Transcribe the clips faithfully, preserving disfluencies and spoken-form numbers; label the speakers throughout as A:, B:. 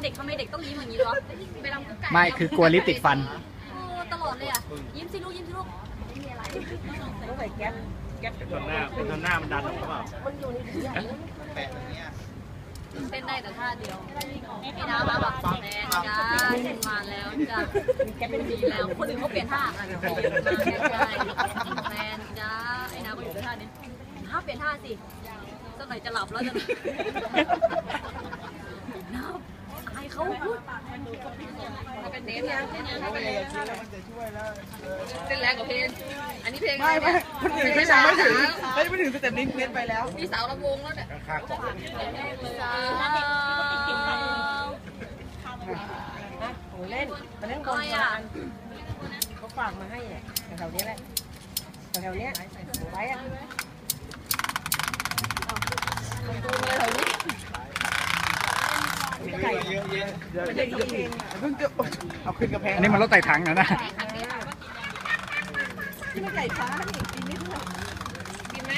A: เด็กทำไมเด็กต้องยิ้มอย่างนี้ด้วยไปรำกุ๊กไก่
B: ไม่คือกลัวลิปติดฟัน
A: ตลอดเลยอ่ะยิ้มสิลูกยิ้มสิลูกไม่มีอะไร
C: ต้องใส่แก๊ปแก๊ป
D: จนหน้าจนหน้ามันดันออกหรือเปล่า
C: มันอยู่ในนี้แปะตรงนี้
A: เต้นได้แต่ท่าเดียวไอ้น้ำมาแบบแฟนจ้ามาแล้วจ้าแกเป็นดีแล้วคนอื่นเขาเปลี่ยนท่าอะไรมาใช่แฟนจ้าไอ้น้ำก็อยู่ท่านี้ถ้าเปลี่ยนท่าสิสักหน่อยจะหลับแล้วจะน้ำอายเขาเขาเป็นเน้นนะเต้นแรงกว่าเพลงอันนี้เพลง
C: ไม่ไม่คนอื่นไม่มาไม่ถึงไม่ไม่ถึงสเต็ปนี้เน้นไปแล้ว
A: มีสาวลำวงแล้วเนี่ย
C: โอ้เล่นมาเล่นบอลกันเขาฝากมาให้เนี่ยแถวนี้แหละแถวนี้ไว้อะไก่เยอะเยอะเป็นเด็กเองเพิ่งจะเอาขึ้นกระแพง
B: อันนี้มันรถไต่ถังนะนะ
C: ที่มันไก่ฟ้านี่กินไม่ทั่ว
A: กินไหม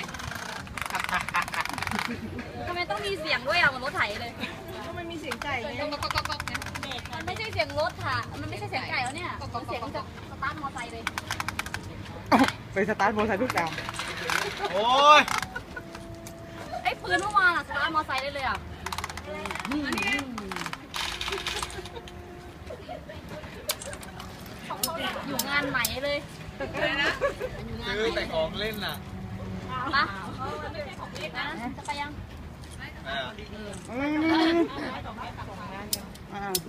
A: ทำไมต้องมีเสียงด้วยอ่ะมันรถไถเลย
C: ก็มันมีเสียงไก่ไง
A: ก๊อกก๊อกก๊อกก๊อกเนี่ยมันไม่ใช่เสียงรถค่ะมันไม่ใช่เสียงไก่แล้วเนี่ยมันเสียงจากสตาร์ทมอไซค์เลย
C: ไปสตาร์ทมอไซค์ทุกอย่าง
D: โอ้ย
A: ไอ้ปืนเมื่อวานอ่ะสตาร์ทมอไซค์ได้เลยอ่ะอยู่งานไหนเลย
D: คือแต่ของเล่นน่ะ
A: ปะจะไปยัง